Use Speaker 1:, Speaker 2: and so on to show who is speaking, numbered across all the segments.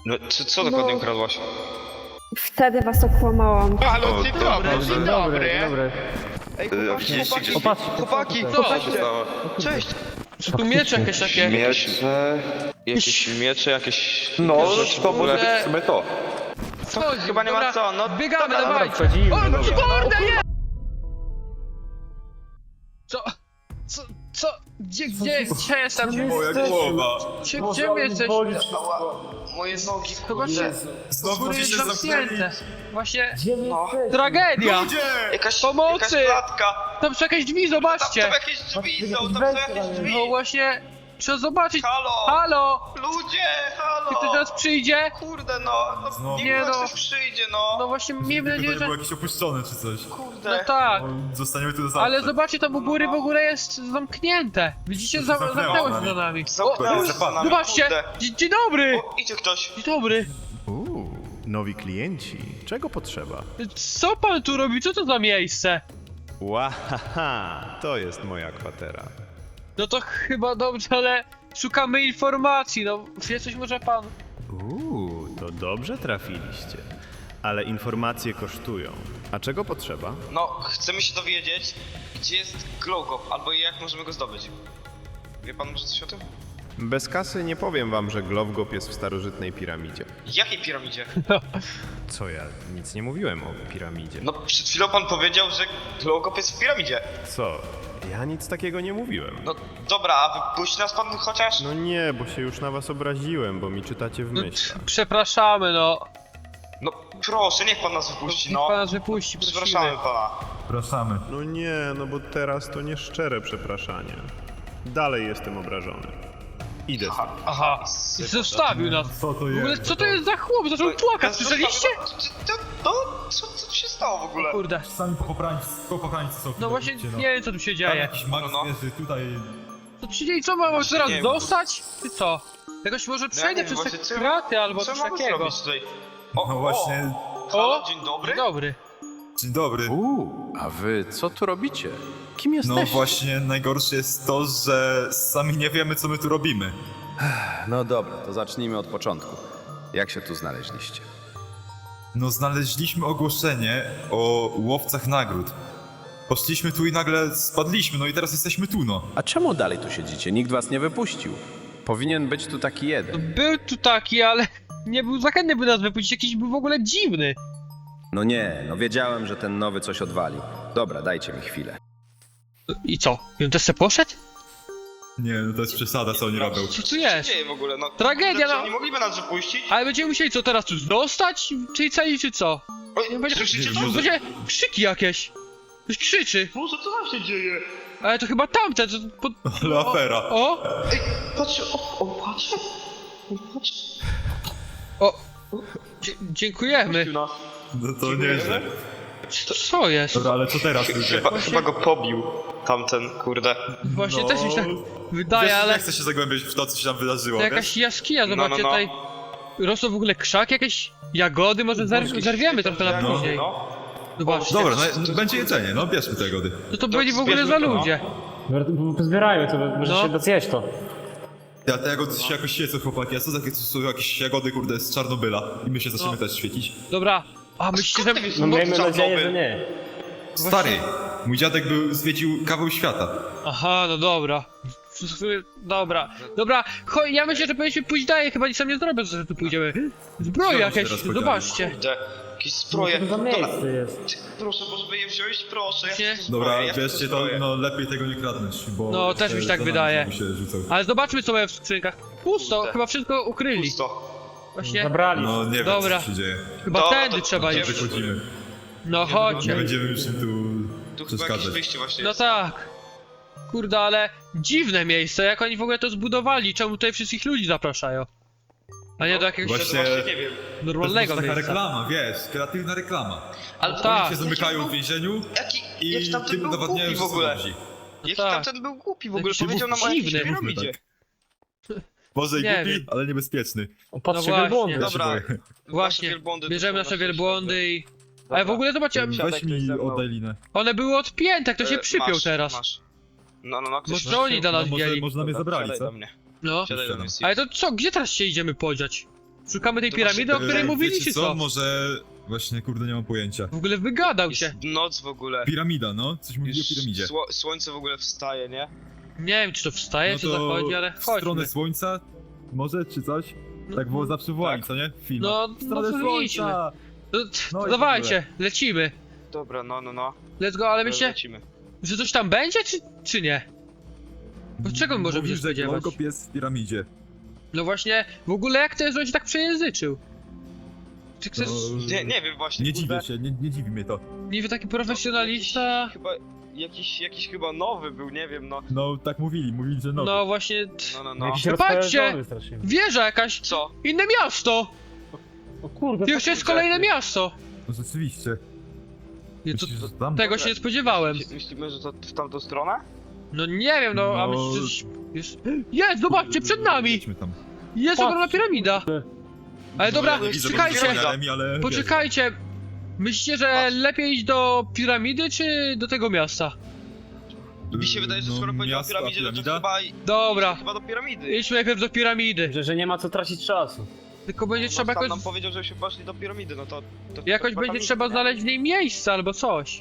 Speaker 1: No, co dokładnie ukradłaś?
Speaker 2: Wtedy was okłamałam.
Speaker 3: Halo, dzień dobry,
Speaker 4: Dzień
Speaker 3: dzień dobry.
Speaker 4: dobry.
Speaker 3: Ej,
Speaker 1: widzieliście gdzieś-
Speaker 3: chłopaki,
Speaker 4: Co
Speaker 3: co?
Speaker 1: Co się stało?
Speaker 3: Cześć.
Speaker 4: Czy tu miecze jakieś takie?
Speaker 1: Miecze... Jakieś miecze, jakieś...
Speaker 5: No,
Speaker 1: rzeczy w
Speaker 5: to
Speaker 1: ogóle.
Speaker 5: może być w sumie to.
Speaker 4: Chodź,
Speaker 1: Chyba nie ma co, no...
Speaker 4: Biegamy,
Speaker 1: dobra,
Speaker 4: dawaj!
Speaker 5: Wchodzimy,
Speaker 4: O,
Speaker 5: dobra.
Speaker 4: kurde, nie! Co? Gdzie jestem?
Speaker 6: Moja głowa.
Speaker 4: Gdzie my jesteśmy?
Speaker 1: Moje nogi,
Speaker 4: Zobaczcie,
Speaker 6: Znowu
Speaker 4: góry
Speaker 6: ci
Speaker 4: jest
Speaker 6: się zamknęli.
Speaker 4: zamknięte. Właśnie,
Speaker 1: no.
Speaker 4: tragedia!
Speaker 6: Ludzie!
Speaker 1: Jakaś
Speaker 4: Pomocy!
Speaker 1: klatka.
Speaker 4: Tam są jakieś drzwi,
Speaker 1: Tam
Speaker 4: zobaczcie!
Speaker 1: jakieś drzwi są, tam są jakieś drzwi.
Speaker 4: No właśnie, trzeba zobaczyć.
Speaker 1: Halo!
Speaker 4: Halo!
Speaker 1: Ludzie, halo!
Speaker 4: Czy ktoś teraz przyjdzie?
Speaker 1: Kurde no,
Speaker 6: Znowu.
Speaker 1: niech
Speaker 4: Nie no.
Speaker 1: ktoś przyjdzie no.
Speaker 4: No właśnie, miejmy
Speaker 6: Tylko to
Speaker 4: nadzieję,
Speaker 6: nie
Speaker 4: że...
Speaker 6: było jakieś opuszczone czy coś.
Speaker 1: Kurde.
Speaker 4: No tak.
Speaker 6: Zostaniemy tu do zawsze.
Speaker 4: Ale zobaczcie, tam u góry w ogóle jest zamknięte. Widzicie,
Speaker 6: To się zamknęło
Speaker 4: zamknęło
Speaker 6: za
Speaker 4: się za
Speaker 6: nami.
Speaker 4: nami.
Speaker 1: Zamknęło się za nami,
Speaker 4: Zobaczcie!
Speaker 1: kurde.
Speaker 4: Dzień dobry!
Speaker 1: O, idzie ktoś.
Speaker 4: Dzień dobry!
Speaker 7: Nowi klienci. Czego potrzeba?
Speaker 4: Co pan tu robi? Co to za miejsce?
Speaker 7: Łahaha, to jest moja kwatera.
Speaker 4: No to chyba dobrze, ale szukamy informacji, no wie coś może pan?
Speaker 7: To dobrze trafiliście. Ale informacje kosztują. A czego potrzeba?
Speaker 1: No, chcemy się dowiedzieć, gdzie jest Glowgop, albo jak możemy go zdobyć. Wie pan może coś o tym?
Speaker 7: Bez kasy nie powiem wam, że Glowgop jest w starożytnej piramidzie.
Speaker 1: Jakiej piramidzie?
Speaker 7: Co ja? Nic nie mówiłem o piramidzie.
Speaker 1: No, przed chwilą pan powiedział, że Glowgop jest w piramidzie.
Speaker 7: Co? Ja nic takiego nie mówiłem.
Speaker 1: No, dobra, a wypuści nas pan chociaż?
Speaker 7: No nie, bo się już na was obraziłem, bo mi czytacie w
Speaker 4: No,
Speaker 7: myślach.
Speaker 4: przepraszamy, no.
Speaker 1: No, proszę, niech pan nas wypuści,
Speaker 4: Niech
Speaker 1: no.
Speaker 4: pan nas wypuści,
Speaker 1: Przepraszamy
Speaker 4: prosimy.
Speaker 1: pana.
Speaker 6: Zapraszamy.
Speaker 7: No nie, no bo teraz to nieszczere przepraszanie. Dalej jestem obrażony. Idę stąd.
Speaker 4: Aha, i zostawił nas.
Speaker 6: Co to
Speaker 4: W ogóle
Speaker 6: jest?
Speaker 4: co to jest za chłop? Zaczął płakać, słyszeliście?
Speaker 1: No, co się stało w ogóle?
Speaker 4: Kurde.
Speaker 6: Sami popokrańcy są.
Speaker 4: No właśnie
Speaker 6: widzicie,
Speaker 4: nie wiem co tu się
Speaker 6: Tam
Speaker 4: dzieje.
Speaker 6: jakiś mag
Speaker 1: No.
Speaker 6: zwierzy, tutaj...
Speaker 4: Co tu się dzieje? Co mamy teraz
Speaker 1: nie wiem.
Speaker 4: dostać? Czy co? Jakoś może przejdę
Speaker 1: nie wiem,
Speaker 4: przez te
Speaker 1: właśnie co-
Speaker 4: kraty albo
Speaker 1: Co
Speaker 4: coś
Speaker 1: mamy
Speaker 4: takiego.
Speaker 1: zrobić tutaj?
Speaker 6: No właśnie...
Speaker 1: Halo, dzień dobry.
Speaker 4: Dzień dobry.
Speaker 6: Dzień dobry.
Speaker 5: A wy co tu robicie? Kim jesteście?
Speaker 6: No właśnie, najgorsze jest to, że sami nie wiemy, co my tu robimy.
Speaker 5: No dobra, to zacznijmy od początku. Jak się tu znaleźliście?
Speaker 6: No znaleźliśmy ogłoszenie o łowcach nagród. Poszliśmy tu i nagle spadliśmy, no i teraz jesteśmy tu, no.
Speaker 5: A czemu dalej tu siedzicie? Nikt was nie wypuścił. Powinien być tu taki jeden.
Speaker 4: Był tu taki, ale nie był zachętny, by nas wypuścić. Jakiś był w ogóle dziwny.
Speaker 5: No nie, no wiedziałem, że ten nowy coś odwali. Dobra, dajcie mi chwilę.
Speaker 4: I co? I on też se poszedł?
Speaker 6: Nie, no to jest przesada, co oni robią.
Speaker 4: Co tu
Speaker 1: Co
Speaker 4: jest?
Speaker 1: się dzieje w ogóle? No,
Speaker 4: Tragedia,
Speaker 1: Czy
Speaker 4: no.
Speaker 1: oni mogliby nas wypuścić?
Speaker 4: Ale będziemy musieli co teraz tu dostać? Czyli cali czy co?
Speaker 1: Oj,
Speaker 4: Będzie,
Speaker 1: słyszycie to?
Speaker 6: może-
Speaker 4: będzie krzyki jakieś. Ktoś krzyczy.
Speaker 1: Boże, co tam się dzieje?
Speaker 4: Ale to chyba tamten, co...
Speaker 6: Ale afera.
Speaker 4: O!
Speaker 1: Ej, patrz, o, patrz. Patrz.
Speaker 4: O! Dziękujemy.
Speaker 1: nas.
Speaker 6: No to nieźle.
Speaker 4: Co jest?
Speaker 6: Dobra, ale co teraz ludzie?
Speaker 1: Chyba go pobił tamten, kurde.
Speaker 4: Właśnie
Speaker 6: No.
Speaker 4: też mi się tak
Speaker 6: Wiesz,
Speaker 4: wydaje, ale...
Speaker 6: nie chcę się zagłębiać w to, co się tam wydarzyło,
Speaker 4: To
Speaker 6: wiesz?
Speaker 4: jakaś jaskinia,
Speaker 1: No,
Speaker 4: zobaczcie
Speaker 1: no.
Speaker 4: tutaj. Rosną w ogóle krzaki, jakieś jagody, może zerwiemy trochę na
Speaker 6: No.
Speaker 4: później. Zobaczcie.
Speaker 6: Dobra, no, będzie jedzenie, no bierzmy te jagody.
Speaker 4: Co to byli w ogóle za
Speaker 1: zbierzmy to, no.
Speaker 4: ludzie?
Speaker 8: Pozbierajmy to, może
Speaker 4: No.
Speaker 8: się zjeść to.
Speaker 6: Ja te jagody się jakoś świecą, chłopaki, a co takie to są jakieś jagody, kurde, z Czarnobyla? I my się zaczniemy
Speaker 4: No.
Speaker 6: też świecić.
Speaker 4: Dobra. A myślicie, że...
Speaker 8: No miejmy
Speaker 1: Czarnobyl.
Speaker 8: nadzieję, że nie.
Speaker 6: Stary, mój dziadek zwiedził kawał świata.
Speaker 4: Aha, no dobra. Dobra. Dobra, chodź, ja myślę, że powinniśmy pójść dalej, chyba nic sam nie zrobię, że tu pójdziemy. Zbroje
Speaker 6: Znowu się
Speaker 4: jakieś,
Speaker 6: teraz podzieli.
Speaker 4: zobaczcie.
Speaker 1: Kurde, jakieś
Speaker 8: Co
Speaker 1: zbroje.
Speaker 8: to za
Speaker 1: Dobra,
Speaker 8: miejsce jest?
Speaker 1: proszę, możemy je wziąć, proszę.
Speaker 4: Nie.
Speaker 1: Ja chcę
Speaker 6: Dobra,
Speaker 1: zbroję, ja chcę
Speaker 6: wierzcie to,
Speaker 1: zbroję.
Speaker 6: no lepiej tego nie kradnąć, bo...
Speaker 4: No, też mi się tak
Speaker 6: za nami
Speaker 4: wydaje.
Speaker 6: znowu się rzucał.
Speaker 4: Ale zobaczmy, co mają w skrzynkach. Pusto,
Speaker 1: Puste.
Speaker 4: chyba wszystko ukryli.
Speaker 1: Pusto.
Speaker 4: Właśnie,
Speaker 8: Zabrali.
Speaker 6: No nie wiem,
Speaker 4: Dobra.
Speaker 6: co się dzieje.
Speaker 4: chyba
Speaker 1: Dobra,
Speaker 4: tędy
Speaker 1: to
Speaker 4: trzeba
Speaker 1: idziemy.
Speaker 4: iść.
Speaker 6: Wychodzimy.
Speaker 4: No
Speaker 6: Nie
Speaker 4: chodźcie.
Speaker 6: będziemy już im tu
Speaker 1: Tu chyba jakieś
Speaker 6: przeszkadzać.
Speaker 1: wyjście właśnie
Speaker 4: No
Speaker 1: jest.
Speaker 4: tak. Kurde, ale dziwne miejsce, jak oni w ogóle to zbudowali, czemu tutaj wszystkich ludzi zapraszają? A nie do jakiegoś
Speaker 6: Właśnie-
Speaker 1: nie wiem.
Speaker 6: To jest
Speaker 4: normalnego
Speaker 6: taka
Speaker 4: miejsca.
Speaker 6: reklama, wiesz, kreatywna reklama.
Speaker 1: Ale
Speaker 4: No
Speaker 1: to
Speaker 4: tak.
Speaker 6: Oni się zamykają w więzieniu
Speaker 1: jak
Speaker 6: i
Speaker 1: tamten
Speaker 6: tym
Speaker 1: był
Speaker 6: udowadniają,
Speaker 1: głupi
Speaker 6: że
Speaker 1: w
Speaker 6: są
Speaker 1: ogóle.
Speaker 6: dobrzy.
Speaker 1: Jaki
Speaker 4: tak.
Speaker 1: tamten był głupi w ogóle,
Speaker 4: Jakiś
Speaker 1: powiedział nam o jakiejś
Speaker 4: dziwny.
Speaker 1: piramidzie.
Speaker 6: Może i
Speaker 4: Nie
Speaker 6: głupi,
Speaker 4: wiem.
Speaker 6: ale niebezpieczny.
Speaker 8: Patrzcie,
Speaker 4: właśnie.
Speaker 8: wielbłądy.
Speaker 6: Ja się
Speaker 1: Dobra.
Speaker 6: boję.
Speaker 4: Właśnie,
Speaker 1: wielbłądy
Speaker 4: bierzemy
Speaker 1: to
Speaker 4: nasze
Speaker 1: są
Speaker 4: wielbłądy i... Ale w ogóle zobaczcie,
Speaker 6: Weź mi oddaj linę.
Speaker 4: one były odpięte, kto się przypiął
Speaker 1: Masz,
Speaker 4: teraz.
Speaker 1: Masz. No, ktoś
Speaker 4: Może oni dla nas
Speaker 6: No
Speaker 4: wzięli.
Speaker 6: może mnie zabrali,
Speaker 1: Siadaj
Speaker 6: co?
Speaker 1: do mnie.
Speaker 4: No.
Speaker 1: Siadaj do mnie,
Speaker 4: Ale to co, gdzie teraz się idziemy podziać? Szukamy tej
Speaker 1: To
Speaker 4: piramidy, o
Speaker 1: właśnie-
Speaker 4: której mówili,
Speaker 6: Wiecie
Speaker 4: czy co?
Speaker 6: Może... Właśnie, kurde, nie mam pojęcia.
Speaker 4: W ogóle wygadał się.
Speaker 1: Jest noc w ogóle.
Speaker 6: Piramida, no? Coś mówi o
Speaker 1: Już
Speaker 6: piramidzie.
Speaker 1: słońce w ogóle wstaje, nie?
Speaker 4: Nie wiem, czy to wstaje,
Speaker 6: No
Speaker 4: czy
Speaker 6: to
Speaker 4: zachodzi, ale
Speaker 6: w
Speaker 4: chodźmy.
Speaker 6: stronę słońca? Może, czy coś? Tak było zawsze w Łani,
Speaker 1: Tak.
Speaker 6: co nie? W filmach.
Speaker 4: No,
Speaker 6: W stronę
Speaker 4: no to idźmy.
Speaker 6: słońca!
Speaker 4: To,
Speaker 6: No
Speaker 4: to
Speaker 6: i w
Speaker 4: dawajcie, lecimy.
Speaker 1: Dobra, no.
Speaker 4: Let's go, ale myślę,
Speaker 1: Lecimy.
Speaker 4: że coś tam będzie, czy nie? Bo czego my możemy
Speaker 6: Mówił,
Speaker 4: się
Speaker 6: że
Speaker 4: spodziewać?
Speaker 6: Glowkop jest w piramidzie.
Speaker 4: No właśnie, w ogóle jak to jest, że on się tak przejęzyczył? Czy chcesz...
Speaker 6: No,
Speaker 1: Nie wiem właśnie.
Speaker 6: nie
Speaker 1: kurde.
Speaker 6: dziwię się, nie dziwi mnie to.
Speaker 4: Niby taki profesjonalista...
Speaker 1: Chyba, jakiś chyba nowy był, nie wiem, no.
Speaker 6: No, tak mówili, że no.
Speaker 4: No właśnie...
Speaker 1: No.
Speaker 8: Jakiś
Speaker 4: Patrzcie!
Speaker 8: rozpędzony strasznie.
Speaker 4: Wieża jakaś!
Speaker 1: Co?
Speaker 4: Inne miasto!
Speaker 8: O kurde,
Speaker 4: To jeszcze jest kolejne miasto!
Speaker 6: No rzeczywiście.
Speaker 4: Nie, to,
Speaker 6: Myślisz, że tam?
Speaker 4: tego się nie spodziewałem.
Speaker 1: Myślimy, że to w tamtą stronę?
Speaker 4: No nie wiem, no, a
Speaker 6: No.
Speaker 4: myślisz, że... Jest, zobaczcie, przed nami!
Speaker 6: Jedźmy tam.
Speaker 4: Jest ogromna piramida! Ale dobra,
Speaker 6: No, ja nie widzę
Speaker 4: czekajcie!
Speaker 6: piramidami, ale
Speaker 4: Poczekajcie! Myślicie, że lepiej iść do piramidy, czy do tego miasta?
Speaker 1: Mi się wydaje, że skoro powiedział o
Speaker 6: miasto, a
Speaker 1: piramidzie, no to
Speaker 6: piramida?
Speaker 4: Dobra,
Speaker 1: chyba do piramidy.
Speaker 4: idźmy najpierw do piramidy.
Speaker 8: Że nie ma co tracić czasu.
Speaker 4: Tylko będzie trzeba
Speaker 1: Sam
Speaker 4: jakoś...
Speaker 1: nam powiedział, żebyśmy poszli do piramidy, no to
Speaker 4: Jakoś
Speaker 1: chyba
Speaker 4: będzie
Speaker 1: tam
Speaker 4: trzeba
Speaker 1: idzie, nie?
Speaker 4: znaleźć w niej miejsce albo coś.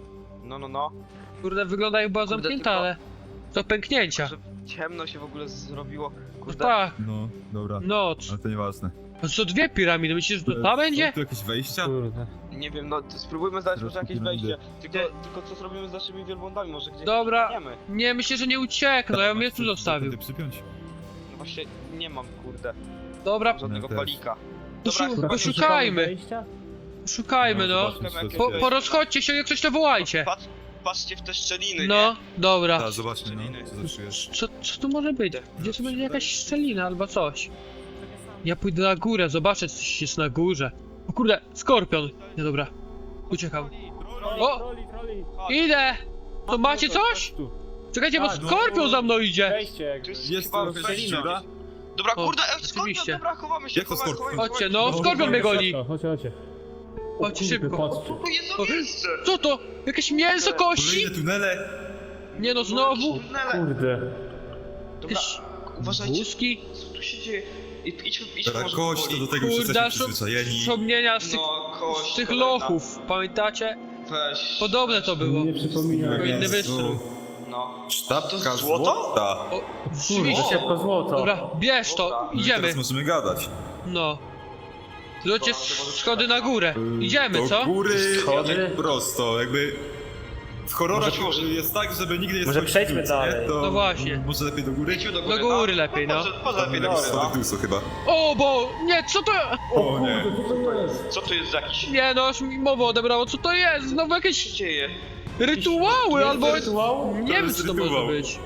Speaker 1: No.
Speaker 4: Kurde, wygląda jak była
Speaker 1: Kurde,
Speaker 4: zamknięta,
Speaker 1: tylko-
Speaker 4: ale... Do pęknięcia.
Speaker 1: Że ciemno się w ogóle zrobiło.
Speaker 4: No
Speaker 1: Kurde.
Speaker 4: tak,
Speaker 6: No, dobra.
Speaker 4: noc.
Speaker 6: Ale to nieważne.
Speaker 4: No to dwie piramidy, myślisz, że to ta będzie?
Speaker 6: Są tu jakieś wejścia?
Speaker 8: Kurde.
Speaker 1: Nie wiem, no spróbujmy znaleźć może
Speaker 6: Teraz
Speaker 1: jakieś
Speaker 6: piramidy.
Speaker 1: wejście. Tylko co zrobimy z naszymi wielbłądami? Może gdzieś
Speaker 4: Dobra.
Speaker 1: uciekniemy?
Speaker 4: Nie, myślę, że nie uciekną, ja bym je tu zostawił.
Speaker 6: Wtedy przypiąć?
Speaker 1: No właśnie nie mam, kurde,
Speaker 4: Dobra,
Speaker 1: żadnego
Speaker 6: też.
Speaker 1: palika.
Speaker 4: poszukajmy,
Speaker 8: Wejścia?
Speaker 4: szukajmy, no.
Speaker 6: zobaczmy, co
Speaker 1: jakieś
Speaker 6: to jest.
Speaker 4: Porozchodźcie się, jak coś to wołajcie.
Speaker 1: Patrzcie w te szczeliny,
Speaker 4: No, dobra.
Speaker 6: Tak, zobaczmy, no. Co to czujesz?
Speaker 4: Co tu może być? Gdzie tu będzie jakaś szczelina albo coś? Ja pójdę na górę, zobaczę, co coś jest na górze. O kurde, skorpion. Nie, dobra. Uciekam. O!
Speaker 8: Troli.
Speaker 4: Idę! To macie coś?
Speaker 8: Tu.
Speaker 4: Czekajcie, bo
Speaker 8: Tak, no.
Speaker 4: skorpion za mną idzie.
Speaker 8: Wejście
Speaker 1: nie?
Speaker 8: jakby.
Speaker 1: Tu jest
Speaker 6: Jest
Speaker 1: chyba
Speaker 6: to
Speaker 1: wejście.
Speaker 6: szczelina?
Speaker 1: Dobra,
Speaker 4: O,
Speaker 1: kurde, skorpion,
Speaker 4: rzeczywiście.
Speaker 1: dobra, chowamy się,
Speaker 6: Jak to
Speaker 1: chowamy,
Speaker 6: skorpion?
Speaker 1: chowamy,
Speaker 4: Chodźcie,
Speaker 1: chowamy.
Speaker 4: no, skorpion mnie goni.
Speaker 8: Chodźcie.
Speaker 4: Chodźcie szybko.
Speaker 8: Patrzcie.
Speaker 1: Tu jest to miejsce!
Speaker 4: Co to? Jakieś mięso kości?
Speaker 6: Kolejne tunele!
Speaker 4: Nie no, znowu?
Speaker 1: Tunele.
Speaker 8: Kurde.
Speaker 1: Dobra,
Speaker 4: Jakieś
Speaker 1: uważajcie,
Speaker 4: łuski?
Speaker 1: co tu się dzieje? Idźmy
Speaker 6: Dobra,
Speaker 1: może
Speaker 6: kość, to
Speaker 1: powoli.
Speaker 6: do tego już
Speaker 4: Kurde,
Speaker 6: jesteśmy przyzwyczajeni.
Speaker 4: wspomnienia z tych,
Speaker 1: No, kość,
Speaker 4: z tych
Speaker 1: kolejna.
Speaker 4: lochów, pamiętacie?
Speaker 1: Weź.
Speaker 4: Podobne to było.
Speaker 8: Nie przypomina.
Speaker 4: Tylko inny
Speaker 6: Jezu.
Speaker 4: wystrój.
Speaker 1: No.
Speaker 6: Sztabka
Speaker 1: To złoto?
Speaker 6: złota!
Speaker 4: O,
Speaker 8: Kurde,
Speaker 4: rzeczywiście.
Speaker 8: szybko złoto.
Speaker 4: Dobra, bierz to,
Speaker 1: Dobra.
Speaker 6: No i
Speaker 4: idziemy.
Speaker 6: teraz możemy gadać.
Speaker 4: No. Zobaczcie, schody na górę. Idziemy,
Speaker 6: Do
Speaker 4: co?
Speaker 6: góry,
Speaker 8: Schody?
Speaker 6: tak prosto, jakby... W horrorach
Speaker 1: Może-
Speaker 6: jest tak, żeby nigdy nie
Speaker 8: Może
Speaker 6: skończyć
Speaker 8: przejdźmy
Speaker 6: nic, nie?
Speaker 8: dalej.
Speaker 6: To
Speaker 4: No właśnie.
Speaker 6: Może lepiej do góry?
Speaker 1: Idźmy do
Speaker 4: Do
Speaker 1: góry,
Speaker 4: góry
Speaker 1: no.
Speaker 4: lepiej, no.
Speaker 1: Może lepiej do góry,
Speaker 6: Schody
Speaker 1: no.
Speaker 6: dół chyba.
Speaker 4: O, bo... Nie, co to...
Speaker 6: O nie.
Speaker 1: Co tu jest za jakiś...
Speaker 4: Nie no, aż mi mowa odebrało, co to jest? Znowu
Speaker 1: Co
Speaker 4: jakieś
Speaker 1: się dzieje?
Speaker 4: rytuały albo...
Speaker 8: Rytuał?
Speaker 4: Nie wiem,
Speaker 6: jest
Speaker 4: co to może
Speaker 6: rytuał.
Speaker 4: być.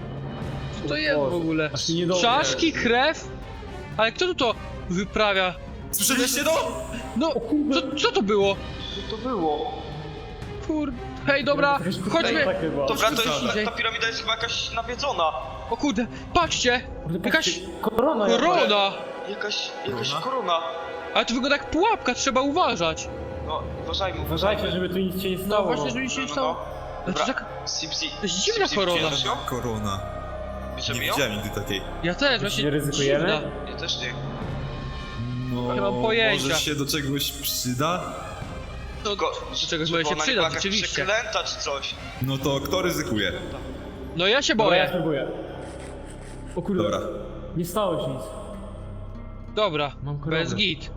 Speaker 4: Co to jest w ogóle?
Speaker 8: Aż mi niedobrze.
Speaker 4: Czaszki, krew? Ale kto tu to wyprawia?
Speaker 6: Słyszeliście to?
Speaker 4: No, co to było?
Speaker 1: Co to było?
Speaker 4: Kur... Hej, dobra, chodźmy.
Speaker 8: Tak chyba.
Speaker 1: Dobra,
Speaker 4: Idzie.
Speaker 1: ta piramida jest chyba jakaś nawiedzona.
Speaker 4: O kurde, patrzcie!
Speaker 8: Kurde,
Speaker 4: Jakaś
Speaker 8: patrzcie, korona.
Speaker 4: korona!
Speaker 1: Jakaś
Speaker 6: Korona?
Speaker 1: korona.
Speaker 4: Ale to wygląda jak pułapka, trzeba uważać.
Speaker 1: No, uważajmy,
Speaker 8: Uważajcie, żeby tu nic się nie
Speaker 4: No
Speaker 8: stało.
Speaker 4: właśnie, żeby nic się nie stało. Ale to
Speaker 1: Dobra.
Speaker 4: jest taka...
Speaker 1: Sipsi.
Speaker 4: To jest dziwna korona.
Speaker 1: Bierzesz ją?
Speaker 6: Korona. Nie
Speaker 1: Bierzemy ją?
Speaker 6: widziałem nigdy takiej.
Speaker 4: Ja też, właśnie
Speaker 8: Nie ryzykujemy?
Speaker 4: dziwna.
Speaker 1: Ja też nie.
Speaker 6: No,
Speaker 4: Nie mam pojęcia.
Speaker 6: może się do czegoś przyda?
Speaker 4: To
Speaker 1: Tylko,
Speaker 4: do czegoś
Speaker 1: żeby
Speaker 4: może się
Speaker 1: ona nie
Speaker 4: przydać,
Speaker 1: była jakaś
Speaker 4: rzeczywiście.
Speaker 1: przeklęta czy coś.
Speaker 6: No to kto ryzykuje?
Speaker 4: No ja się
Speaker 8: Dobra, ja
Speaker 4: boję.
Speaker 8: spróbuję. O kurde.
Speaker 6: Dobra.
Speaker 8: Nie stało się nic.
Speaker 4: Dobra,
Speaker 8: Mam koronę.
Speaker 4: bez git.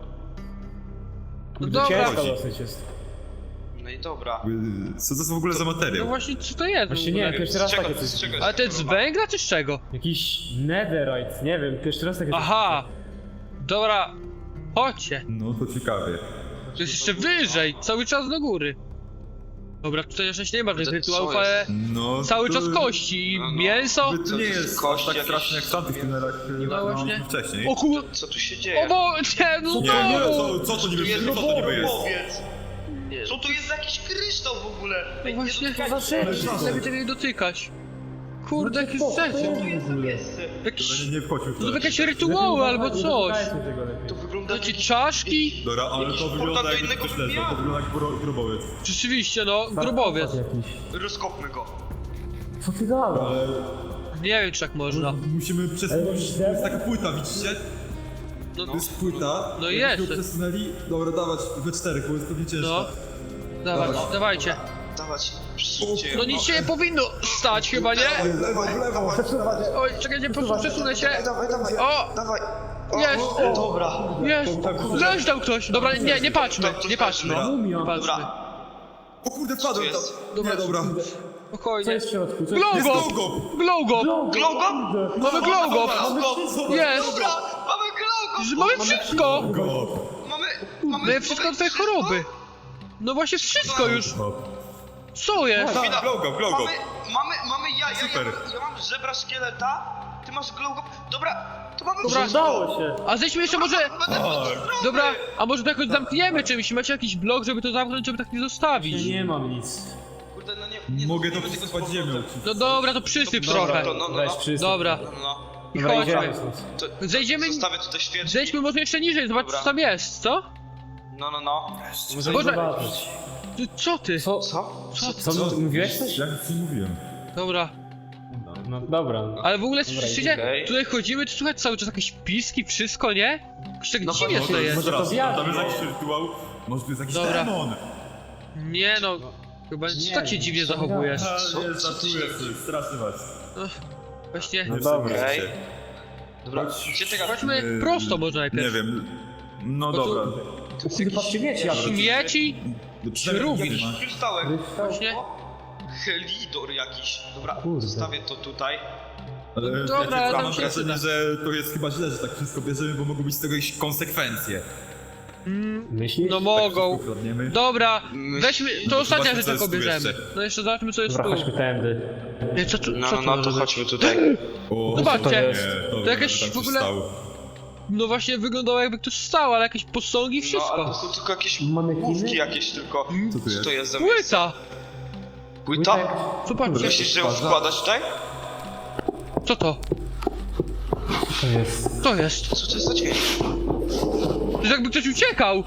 Speaker 4: No
Speaker 8: Kurde,
Speaker 4: dobra,
Speaker 8: ciężko dosyć jest.
Speaker 1: No i dobra.
Speaker 6: Co to jest w ogóle za
Speaker 4: no
Speaker 6: materiał?
Speaker 4: właśnie co to jest w
Speaker 8: Właśnie
Speaker 4: ogóle?
Speaker 8: nie, pierwszy raz
Speaker 1: Z czego-
Speaker 8: takie coś.
Speaker 1: z czego
Speaker 4: Ale to jest z
Speaker 1: korona?
Speaker 4: węgla czy z czego?
Speaker 8: Jakiś netherite, nie wiem, pierwszy raz takie coś.
Speaker 4: Aha! Dobra, chodźcie.
Speaker 6: No to ciekawie.
Speaker 4: To jest jeszcze wyżej, cały czas do góry. Dobra, tutaj jeszcze nie ma żadnych
Speaker 1: Co
Speaker 4: rytuałów,
Speaker 1: jest?
Speaker 4: ale
Speaker 6: No
Speaker 4: cały
Speaker 6: to...
Speaker 4: czas kości i
Speaker 1: No, no.
Speaker 4: mięso.
Speaker 6: To
Speaker 1: Co,
Speaker 6: nie
Speaker 1: to
Speaker 6: jest
Speaker 1: kości
Speaker 6: tak
Speaker 1: jakieś?
Speaker 6: strasznie jak w tamtych tunelach
Speaker 4: No właśnie.
Speaker 6: wcześniej.
Speaker 4: O kur...
Speaker 1: Co tu się
Speaker 4: O
Speaker 1: dzieje?
Speaker 4: bo... Nie, no
Speaker 6: Nie,
Speaker 4: znowu!
Speaker 6: co to niby
Speaker 1: Tu jest
Speaker 6: co to niby jest?
Speaker 1: powiedz. Co tu jest za jakiś kryształ w ogóle?
Speaker 4: No właśnie,
Speaker 8: Co za rzecz?
Speaker 4: lepiej tego nie dotykać. Kurde, jakieś rzeczy.
Speaker 1: Co tu jest za miejsce?
Speaker 4: Jakieś...
Speaker 6: Nie wchodźmy w
Speaker 4: To
Speaker 6: to.
Speaker 4: są jakieś rytuały albo coś.
Speaker 8: Dotykajcie tego lepiej.
Speaker 1: To wygląda...
Speaker 4: Znaczy czaszki?
Speaker 6: Dobra, ale
Speaker 1: Jakiś
Speaker 6: to
Speaker 1: portal
Speaker 6: wygląda
Speaker 1: do
Speaker 6: jakby
Speaker 1: innego
Speaker 6: ktoś leżał, to
Speaker 1: wymiaru.
Speaker 6: wygląda jak grobowiec.
Speaker 4: Rzeczywiście, no, grobowiec.
Speaker 8: Jakiś.
Speaker 1: Rozkopmy go.
Speaker 8: Co ty gadasz?
Speaker 6: Ale
Speaker 4: Nie wiem, czy tak można.
Speaker 6: musimy przesunąć, to jest taka płyta, widzicie?
Speaker 4: No,
Speaker 6: To jest płyta.
Speaker 4: No
Speaker 6: jakbyśmy
Speaker 4: jest.
Speaker 6: ją przesunęli. Dobra, dawać we czterech, bo jest pewnie ciężka.
Speaker 4: no. Dawajcie.
Speaker 1: Dawać, przesuńcie ją.
Speaker 4: No nic się nie powinno stać chyba, nie?
Speaker 6: W lewo.
Speaker 4: Oj, czekajcie, przesunę się.
Speaker 1: Dawaj,
Speaker 4: O!
Speaker 1: dawaj.
Speaker 4: Jest!
Speaker 1: Dobra.
Speaker 4: Jest! Leżał ktoś! Dobra, nie patrzmy, nie patrzmy.
Speaker 8: Mumia.
Speaker 4: Nie patrzmy.
Speaker 1: Dobra.
Speaker 6: O kurde,
Speaker 1: Co
Speaker 6: padłem
Speaker 1: jest?
Speaker 6: tam. Nie, dobra.
Speaker 8: Co
Speaker 4: Spokojnie.
Speaker 8: jest w środku? Co
Speaker 4: Glow
Speaker 6: Jest
Speaker 4: go!
Speaker 6: logo!
Speaker 4: Glow go!
Speaker 1: Glogo?
Speaker 4: Mamy glow go! Jest!
Speaker 1: Dobra, mamy glogo!
Speaker 4: Mamy wszystko!
Speaker 1: Mamy
Speaker 4: Mamy wszystko od twojej choroby. No właśnie wszystko już. Co jest?
Speaker 6: Tak, logo.
Speaker 1: Mamy ja
Speaker 6: Super.
Speaker 1: mam żebra szkieleta, ty masz glogo. Dobra, to mamy
Speaker 4: Dobra.
Speaker 1: wszystko.
Speaker 8: Udało się.
Speaker 4: A zejdźmy jeszcze może...
Speaker 1: Będę
Speaker 4: Dobra, a może to jakoś zamkniemy czymś? Macie jakiś blok, żeby to zamknąć, żeby tak nie
Speaker 8: Ja
Speaker 4: zostawić?
Speaker 8: nie mam nic.
Speaker 1: Kurde, no nie
Speaker 6: Mogę to
Speaker 1: zrobimy tego z
Speaker 6: przesypać ziemią.
Speaker 1: powrotem.
Speaker 4: No dobra, to przysyp
Speaker 1: Dobra,
Speaker 4: trochę.
Speaker 1: to no.
Speaker 8: Weź przysyp.
Speaker 4: Dobra,
Speaker 1: No.
Speaker 4: i
Speaker 8: Dobra,
Speaker 4: chodźmy.
Speaker 8: idziemy stąd.
Speaker 1: To
Speaker 4: Zejdziemy...
Speaker 1: zostawię tutaj świeczki.
Speaker 4: Zejdźmy może jeszcze niżej, zobacz co tam jest, co?
Speaker 1: No.
Speaker 8: Możemy
Speaker 4: Boże.
Speaker 8: zobaczyć.
Speaker 4: Co ty?
Speaker 8: Co? Co? Mówiłeś coś?
Speaker 6: Ja nic nie mówiłem.
Speaker 4: Dobra.
Speaker 8: No dobra.
Speaker 4: Ale w ogóle
Speaker 8: Dobra,
Speaker 4: słyszycie?
Speaker 1: okej.
Speaker 4: Tutaj chodzimy, to słychać cały czas jakieś piski, wszystko, nie? Jakoś tak dziwnie to jest.
Speaker 8: może to zjadł.
Speaker 6: Tam jest jakiś rytuał. Może to jest jakiś
Speaker 4: Dobra.
Speaker 6: demon.
Speaker 4: Nie no, chyba
Speaker 8: Nie,
Speaker 4: tak się dziwnie zachowujesz.
Speaker 6: Ale nie, żartuję sobie, straszę was.
Speaker 4: Właśnie,
Speaker 8: No dobra.
Speaker 1: Okej. Dobra, gdzie ty gadasz?
Speaker 4: chodźmy prosto może
Speaker 6: Nie
Speaker 4: najpierw.
Speaker 6: wiem. No
Speaker 4: Bo tu-
Speaker 6: dobra.
Speaker 8: Patrzcie, wiecie jak
Speaker 4: Śmieci?
Speaker 6: Przynajmniej
Speaker 4: Rubin.
Speaker 6: nie ma.
Speaker 1: Krystałek.
Speaker 4: Właśnie.
Speaker 1: Helidor jakiś. Dobra,
Speaker 8: Kurde.
Speaker 1: zostawię to tutaj.
Speaker 6: Ale
Speaker 4: Dobra,
Speaker 6: ja
Speaker 4: tam
Speaker 6: mam
Speaker 4: się
Speaker 6: wrażenie, że to jest chyba źle, że tak wszystko bierzemy, bo mogą być z tego jakieś konsekwencje.
Speaker 8: myślisz?
Speaker 4: No
Speaker 6: Tak
Speaker 4: mogą.
Speaker 6: wszystko kradniemy.
Speaker 4: Dobra, weźmy, to ostatnia
Speaker 6: Zobaczmy,
Speaker 4: rzecz
Speaker 6: co jest
Speaker 4: jaką
Speaker 6: tu
Speaker 4: bierzemy.
Speaker 6: jeszcze.
Speaker 4: No jeszcze zobaczmy co jest
Speaker 8: Dobra,
Speaker 4: tu.
Speaker 8: chodźmy tędy.
Speaker 4: Nie, co tu
Speaker 1: No,
Speaker 4: może
Speaker 1: to
Speaker 4: być?
Speaker 1: chodźmy tutaj.
Speaker 6: O,
Speaker 4: Zobaczcie,
Speaker 6: nie,
Speaker 4: to jakieś
Speaker 6: tak
Speaker 4: w
Speaker 6: się
Speaker 4: ogóle-
Speaker 6: stało.
Speaker 4: No właśnie wyglądało jakby ktoś stał, ale jakieś posągi i
Speaker 1: No, ale to
Speaker 4: wszystko.
Speaker 1: są tylko jakieś
Speaker 8: Manekiny?
Speaker 1: główki jakieś tylko.
Speaker 6: Co tu
Speaker 1: Co
Speaker 6: jest?
Speaker 1: to jest za miejsce?
Speaker 4: Płyta!
Speaker 1: Płyta?
Speaker 4: Zobaczcie,
Speaker 1: Myślisz, że ją wkładać tutaj?
Speaker 4: co to?
Speaker 8: To jest.
Speaker 4: Co jest?
Speaker 1: Co to jest za dźwięk?
Speaker 4: To jest jakby ktoś uciekał!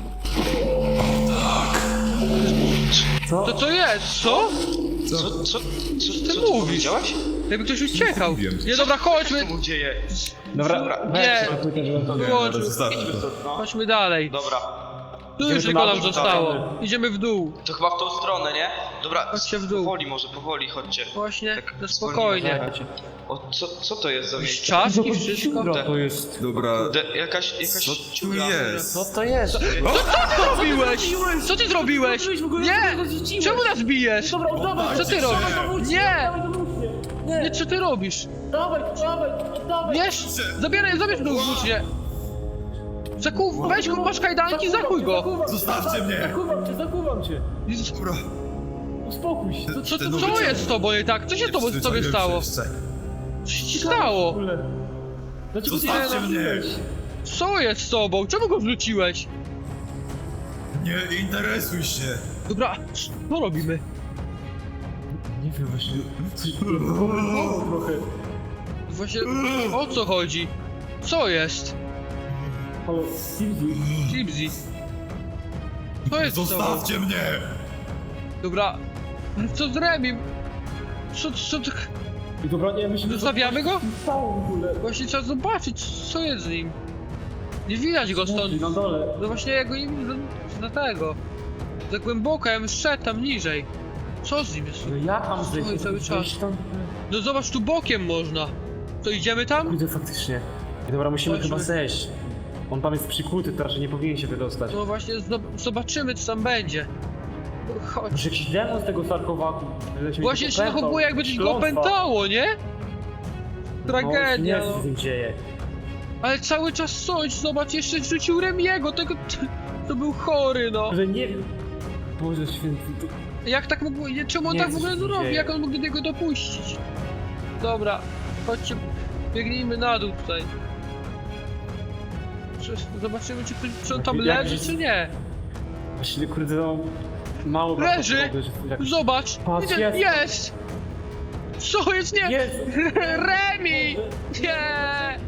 Speaker 8: Co?
Speaker 4: To co jest? Co?
Speaker 1: Co
Speaker 4: ty
Speaker 1: ty
Speaker 4: mówisz?
Speaker 1: powiedziałeś?
Speaker 4: Jakby ktoś uciekał.
Speaker 6: Mówiłem.
Speaker 4: Nie, dobra,
Speaker 1: Co
Speaker 4: chodźmy.
Speaker 1: się mu dzieje?
Speaker 8: Dobra,
Speaker 4: Nie.
Speaker 8: weź płytę, żeby to
Speaker 4: Wyłącz.
Speaker 6: Dobra, zostawmy to.
Speaker 1: No,
Speaker 4: Chodźmy dalej.
Speaker 1: dobra.
Speaker 4: Tu już
Speaker 8: Idziemy
Speaker 4: tylko
Speaker 8: tu na
Speaker 4: nam
Speaker 8: dół,
Speaker 4: zostało.
Speaker 8: dalej.
Speaker 4: Idziemy w dół.
Speaker 1: To chyba w tą stronę, nie? Dobra,
Speaker 4: Chodźcie w dół.
Speaker 1: powoli może, powoli chodźcie.
Speaker 4: Właśnie,
Speaker 1: Tak
Speaker 4: no
Speaker 1: zwolnimy.
Speaker 4: spokojnie.
Speaker 1: O, co to jest za
Speaker 4: Jakieś
Speaker 1: miejsce?
Speaker 4: czaszki, wszystko.
Speaker 8: Dobra, to jest.
Speaker 6: Dobra,
Speaker 1: Jakaś
Speaker 6: co tu
Speaker 1: dziura.
Speaker 6: jest?
Speaker 8: Co to jest?
Speaker 4: Co ty zrobiłeś? Co ty zrobiłeś? Nie! Czemu nas bijesz?
Speaker 8: Dobra, oddawaj!
Speaker 4: Co ty robisz? Nie! Nie, co ty robisz?
Speaker 8: Dawaj, dawaj!
Speaker 4: Wiesz? Zabieraj go włócznie. Weź go, masz kajdanki, zakuj go.
Speaker 6: Zostawcie mnie!
Speaker 8: Zakuwam cię!
Speaker 6: Dobra.
Speaker 8: Uspokój się!
Speaker 4: Co jest z tobą nie tak? Co się z tobą sobie stało? Co się ci stało?
Speaker 8: Dlaczego ty
Speaker 6: Zostawcie mnie!
Speaker 4: Co jest z tobą? Czemu go wrzuciłeś?
Speaker 6: Nie interesuj się!
Speaker 4: Dobra, co robimy?
Speaker 8: Nie wiem właśnie. Coś trochę.
Speaker 4: Właśnie, o co chodzi? Co jest?
Speaker 8: Halo, Silvi.
Speaker 4: Gipsy. Co jest z tobą?
Speaker 6: Zostawcie mnie!
Speaker 4: Dobra, ale co z Remim? Co ty...
Speaker 8: I dobra, nie myślę, że
Speaker 4: Zostawiamy go?
Speaker 8: stało w ogóle.
Speaker 4: Właśnie trzeba zobaczyć, co jest z nim. Nie widać go stąd.
Speaker 8: Na dole.
Speaker 4: No właśnie ja go nie widzę za tego. Za głęboko, ja bym szedł tam niżej. Co z nim jest?
Speaker 8: No ja tam
Speaker 4: Stoi cały czas.
Speaker 8: Gdzieś tam.
Speaker 4: No zobacz, tu bokiem można. To idziemy tam?
Speaker 8: Kurde, faktycznie. I dobra, musimy
Speaker 4: Chodźmy.
Speaker 8: chyba zejść. On tam jest przykuty, to raczej nie powinien się wydostać.
Speaker 4: No właśnie, zobaczymy co tam będzie. Chodź.
Speaker 8: Może jakiś demon z tego sarkowaku.
Speaker 4: Właśnie się zachowuje jakby coś go opętało, nie? Tragedia,
Speaker 8: No, nie
Speaker 4: no.
Speaker 8: z tym dzieje.
Speaker 4: Ale cały czas coś, zobacz, jeszcze rzucił Remiego, tego... To był chory, no.
Speaker 8: Że nie wiem. Boże święty, to...
Speaker 4: Jak tak mógł... Czemu on
Speaker 8: Nie,
Speaker 4: tak w
Speaker 8: co
Speaker 4: ogóle
Speaker 8: się
Speaker 4: zrobi?
Speaker 8: dzieje?
Speaker 4: Jak on mógł do niego dopuścić? Dobra, chodźcie, biegnijmy na dół tutaj. Zobaczymy, czy on tam
Speaker 8: Jak
Speaker 4: leży,
Speaker 8: jest-
Speaker 4: czy nie.
Speaker 8: Właściwie kurde, no... Mało
Speaker 4: Leży!
Speaker 8: prawdopodobne, że jak-
Speaker 4: Zobacz!
Speaker 8: Patrz,
Speaker 4: Widzę-
Speaker 8: jest.
Speaker 4: jest! Co jest? Nie!
Speaker 8: Jest!
Speaker 4: Remi! Nie!